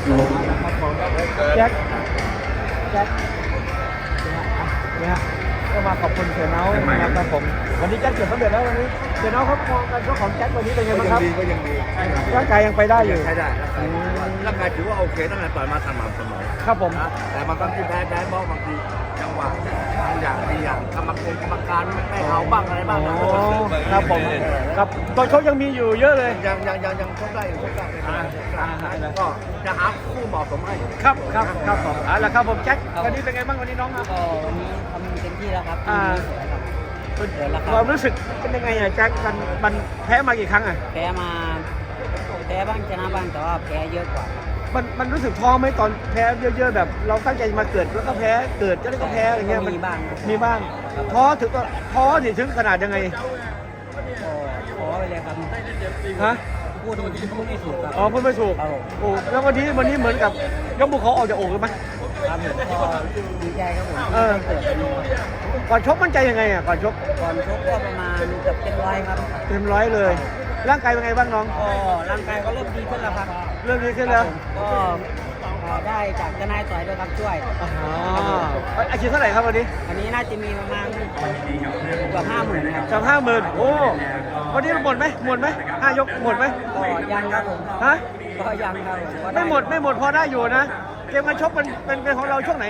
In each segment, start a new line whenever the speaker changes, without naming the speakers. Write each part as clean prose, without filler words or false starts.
แจ็คเนี่ยก็มาขอบคุณเสียเนานะครับผมวันนี้แจ็คเกิดสำเร็จแล้ววันนี้เสียเนาเขามองกันเจ้าของแจ็ควันนี้เป็นไงบ้างครับ
ก็ยังดี
ร่างกายยังไปได้อยู่
ใช้ได้ร่างกายถือว่าโอเคตั้งแต่ต่อยมาสม่ำเสมอ
ครับผม
แต่บางทีแพ้บ้างบางทีจังหวะบางอย่างดีอย่างกรรมการไม่เอาบ้างอะไรบ้าง
ครับผมครับตอนเขายังมีอยู่เยอะเลย
ยังชกได้ก็จะหาคู่เหมาะสมให้
ครับผมแล้วครับผมแจ็ควันนี้เป็นไงบ้างวันนี้น้องครับ
วันนี้ทำเต็มที่แล้วครับ
ความรู้สึกเป็นยังไงอ่ะแจ็คมันแพ้มากี่ครั้งอ่ะ
แพ้บ้างชนะบ้างแต่ว่าแพ้เยอะกว่า
มันรู้สึกท้อไหมตอนแพ้เยอะๆแบบเราตั้งใจมาเกิดแล้วก็แพ้เกิดแล้วก็แพ้อะไรเงี้ย
มีบ้าง
ท้อถึงขนาดยังไง
ท้อไปเลยครับ
ฮะ
พูดไม่ถูกครับ
พูดไม่ถูกโอ้แล้ววันนี้เหมือนกับยกบุกเขาออกจากอกเลยไหม
ครับผมก็ดีใจครับผม
ก่อนชกมั่นใจยังไงอ่ะก่อนชก
ก็ประมาณเกือบ100ครับ
เต็ม100เลยร่างกายเป็นไงบ้างน้อง
ร่างกายก็เริ่มดีขึ้นแล้วครับ
เริ่มดีขึ้นแล้ว
ก็ได้จากทนายต่อยด้วยครับช่วย
อาชีพเท่าไหร่ครับวันนี้
น่าจะมีประมาณเกือบ50,000ครับ
จาก50,000โอ้วันนี้หมดไหม5 ยกหมดไหม
ก็ยังครับผม
ฮะ
ก็ยังครับ
ไม่หมดพอได้อยู่นะเกมการชกเป็นของเราช่วงไหน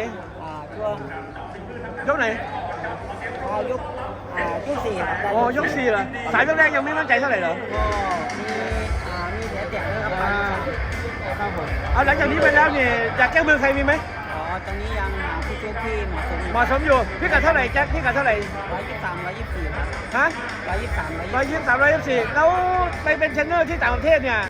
ช่วง
ไหน
ยก4ครับ
ยก4เหรอสายแรกยังไม่มั่นใจเท่าไหร่เหรอ
ก็มีเสียแตกด้วย
ครับผมเอาหลังจากนี้ไปแล้วเนี่ยอยากแก้มือใครมีไหม
ตอนนี้ยังหาผู้ชกที่
เหมาะสมอยู่พี่กัดเท่าไหร่แจ็คพี่กัดเท่าไหร่
123 124ครับ
ฮะ
123
124แล้วไปเป็นเทรนเนอร์ที่ต่างประเทศเนี่ย